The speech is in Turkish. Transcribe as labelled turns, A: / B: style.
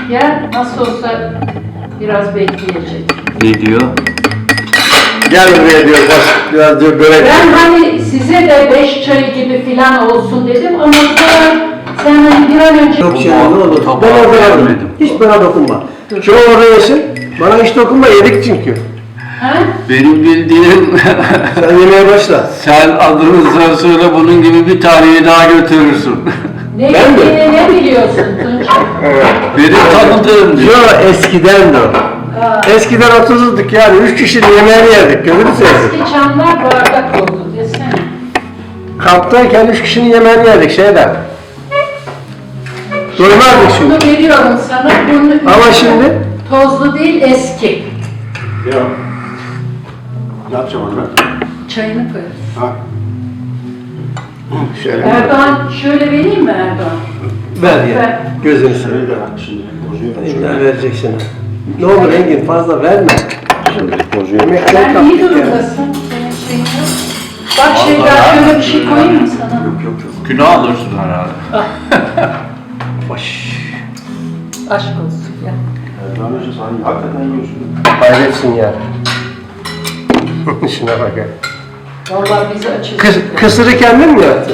A: Gel, nasıl olsa biraz bekleyecek.
B: Ne diyor?
C: Gel buraya diyor, bak biraz diyor börek.
A: Ben hani size de 5 çay gibi filan olsun dedim ama sonra sen hani bir an önce...
C: Yok şey ne olur.
B: Tabağı
C: Ben orada
B: vermedim.
C: yerim. Hiç bana dokunma. Şu orada yesin. Bana hiç dokunma, yedik çünkü.
A: Ha?
B: Benim bildiğim
C: Sen yemeye başla.
B: sen adını söyle bunun gibi bir taneyi daha götürürsün.
A: Ne
C: Ben mi?
A: yediğini ne biliyorsun Tunca?
B: Benim tanıdığım diyor.
C: Yo eskiden de o. Eskiden 30'luk yani 3 kişinin yemeğini yerdik. Gözünü seveyim.
A: Eski çamlar bardak oldu desene.
C: Kamptayken 3 kişinin yemeğini yerdik şeyden. Doymazdık şimdi.
A: Bunu veriyorum sana. Bunu
C: Ama şimdi?
A: Tozlu değil, eski.
D: Ya. Ne yapacağım onu ben?
A: Çayını koy.
D: Ha?
C: Şöyle.
A: Erdoğan şöyle vereyim mi Erdoğan?
C: Ver ya.
A: Ver.
C: Gözünü seveyim.
D: Şöyle de bak şimdi bozuyor.
C: İlla vereceksin. Ne olur Engin fazla verme.
D: Şimdi bozuyor.
C: Yemekten
A: Sen iyi
C: kaptık ya.
A: durumdasın. Senin şeyin yok. Bak şeyden şöyle bir şey koyayım mı sana?
B: Günah alırsın herhalde.
C: Baş.
A: Aşk olsun ya.
D: Erdoğan Hoca sen hakikaten yiyorsun.
C: Hayretsin ya. Şuna bak ya.
A: Vallahi bizi açıyorsun.
C: Kısırı kendin mi yaptın?